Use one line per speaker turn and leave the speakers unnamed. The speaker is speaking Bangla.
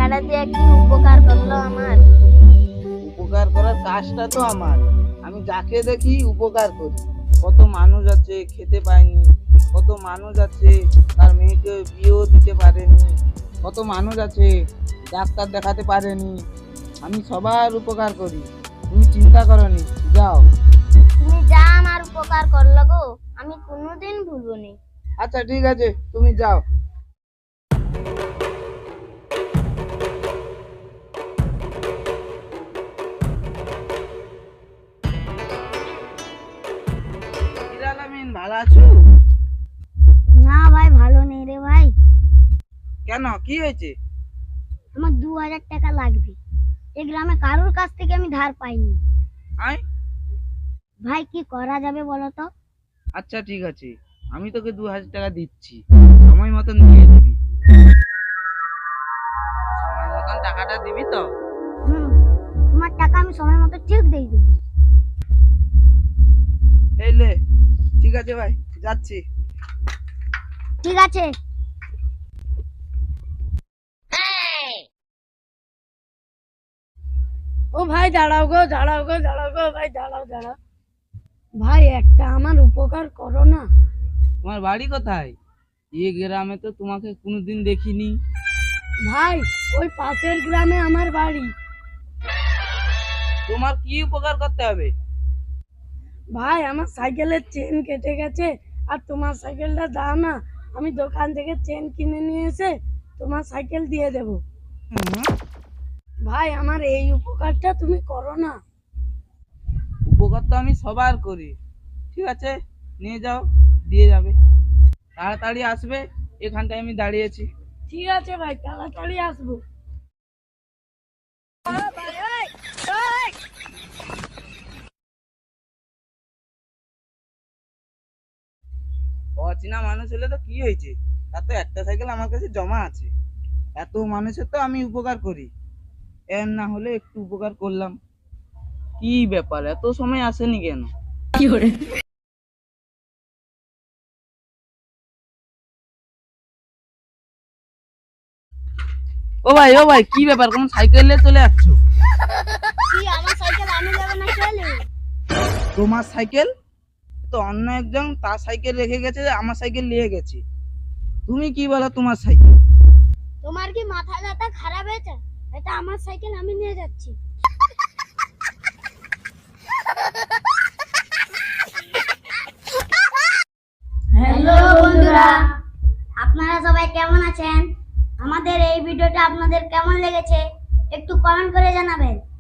টাকাটা দিয়ে কি উপকার করলো আমার?
উপকার করার কাজটা তো আমার। আমি যাকে দেখি উপকার করি। কত মানুষ আছে খেতে পায়নি, কত মানুষ আছে তার মেয়েকে বিয়েও দিতে পারেনি, কত মানুষ আছে ডাক্তার দেখাতে পারেনি। আমি সবার উপকার করি, তুমি চিন্তা করনি। যাও।
তুমি যা আমার উপকার করলো গো, আমি কোনোদিন ভুলবো নি।
আচ্ছা ঠিক আছে, তুমি যাও। হিরাল আমিন, ভালো আছো?
না ভাই, ভালো নেই রে ভাই।
কেন, কি হয়েছে?
আমার 2000 টাকা লাগবে। এই গ্রামে কারোর কাছ থেকে আমি ধার পাইনি।
আয়।
ভাই কি করা যাবে বলো তো?
আচ্ছা ঠিক আছে, আমি তোকে 2000 টাকা দিচ্ছি, সময় মতন দিয়ে দিবি। সময় মতন টাকাটা দিবি তো?
হুম, তোমার টাকা আমি সময় মতো ঠিক দিয়ে দেবো।
এই লে। ঠিক আছে ভাই, যাচ্ছি।
ঠিক আছে।
ও ভাই দাঁড়াও গো, দাঁড়াও গো, দাঁড়াও গো ভাই, দাঁড়াও দাঁড়াও। ভাই একটা আমার উপকার করো না।
তোমার বাড়ি কোথায়? এই গ্রামে তো তোমাকে কোনোদিন দেখিনি।
ভাই ওই পাশের গ্রামে আমার বাড়ি।
তোমার কি উপকার করতে হবে?
ভাই আমার সাইকেলের চেন কেটে গেছে, আর তোমার সাইকেলটা দাও না, আমি দোকান থেকে চেন কিনে নিয়ে এসে তোমার সাইকেল দিয়ে দেব।
হুম,
ভাই আমার এই উপকারটা তুমি করো না।
উপকার তো আমি সবার করি। ঠিক আছে, নিয়ে যাও, দিয়ে যাবে। তাড়াতাড়ি আসবে, এখানটায় আমি দাঁড়িয়েছি।
ঠিক আছে ভাই, তাড়াতাড়ি আসবো।
অচেনা মানুষ হলে তো কি হয়েছে, তার তো একটা সাইকেল আমার কাছে জমা আছে। এত মানুষের তো আমি উপকার করি, এর না হলে একটু উপকার করলাম। কি ব্যাপার, এত সময় আসেনি কেন? ও ভাই, ও ভাই, কি ব্যাপার, কোন সাইকেলে চলে যাচ্ছ?
কি আমার সাইকেল আমি যাবো না চলে?
তোমার সাইকেল তো অন্য একজন তার সাইকেল রেখে গেছে, আমার সাইকেল নিয়ে গেছে। তুমি কি বলো তোমার সাইকেল?
তোমার কি মাথা ব্যথা খারাপ হয়েছে? এটা আমার সাইকেল, আমি নিয়ে যাচ্ছি। হ্যালো বন্ধুরা, আপনারা সবাই কেমন আছেন? আমাদের এই ভিডিওটা আপনাদের কেমন লেগেছে একটু কমেন্ট করে জানাবেন।